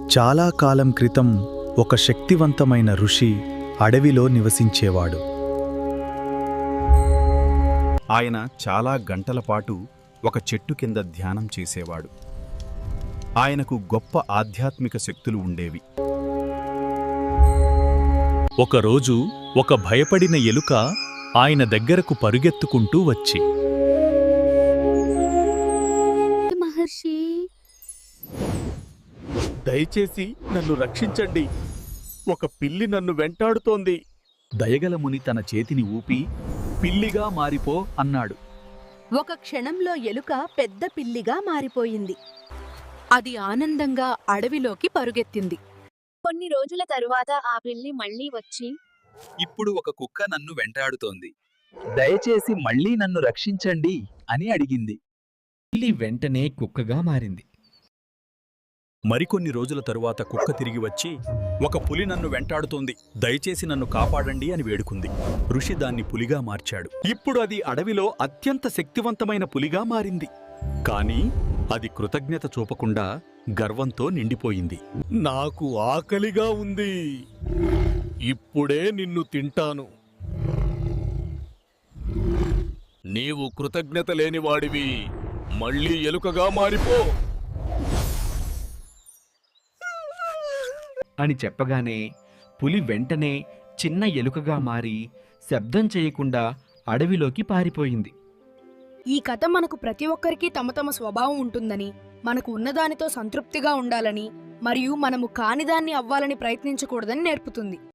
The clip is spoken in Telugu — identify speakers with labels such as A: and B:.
A: చాలా కాలం క్రితం ఒక శక్తివంతమైన ఋషి అడవిలో నివసించేవాడు. ఆయన చాలా గంటల పాటు ఒక చెట్టు కింద ధ్యానం చేసేవాడు. ఆయనకు గొప్ప ఆధ్యాత్మిక శక్తులు ఉండేవి. ఒకరోజు ఒక భయపడిన ఎలుక ఆయన దగ్గరకు పరుగెత్తుకుంటూ వచ్చి,
B: మహర్షి,
C: దయచేసి నన్ను రక్షించండి. ఒక పిల్లి నన్ను వెంటాడుతోంది.
D: దయగల ముని తన చేతిని ఊపి పిల్లిగా మారిపో అన్నాడు.
B: ఒక క్షణంలో ఎలుక పెద్ద పిల్లిగా మారిపోయింది. అది ఆనందంగా అడవిలోకి పరుగెత్తింది.
E: కొన్ని రోజుల తరువాత ఆ పిల్లి మళ్ళీ వచ్చి,
D: ఇప్పుడు ఒక కుక్క నన్ను వెంటాడుతోంది. దయచేసి మళ్ళీ నన్ను రక్షించండి అని అడిగింది.
F: పిల్లి వెంటనే కుక్కగా మారింది.
A: మరికొన్ని రోజుల తరువాత కుక్క తిరిగి వచ్చి, ఒక పులి నన్ను వెంటాడుతోంది, దయచేసి నన్ను కాపాడండి అని వేడుకుంది. ఋషి దాన్ని పులిగా మార్చాడు. ఇప్పుడు అది అడవిలో అత్యంత శక్తివంతమైన పులిగా మారింది. కాని అది కృతజ్ఞత చూపకుండా గర్వంతో నిండిపోయింది.
C: నాకు ఆకలిగా ఉంది. ఇప్పుడే నిన్ను తింటాను. నీవు కృతజ్ఞత లేనివాడివి. మళ్ళీ ఎలుకగా మారిపో
F: అని చెప్పగానే పులి వెంటనే చిన్న ఎలుకగా మారి శబ్దం చేయకుండా అడవిలోకి పారిపోయింది.
G: ఈ కథ మనకు ప్రతి ఒక్కరికి తమ తమ స్వభావం ఉంటుందని, మనకు ఉన్నదానితో సంతృప్తిగా ఉండాలని మరియు మనము కానిదాన్ని అవ్వాలని ప్రయత్నించకూడదని నేర్పుతుంది.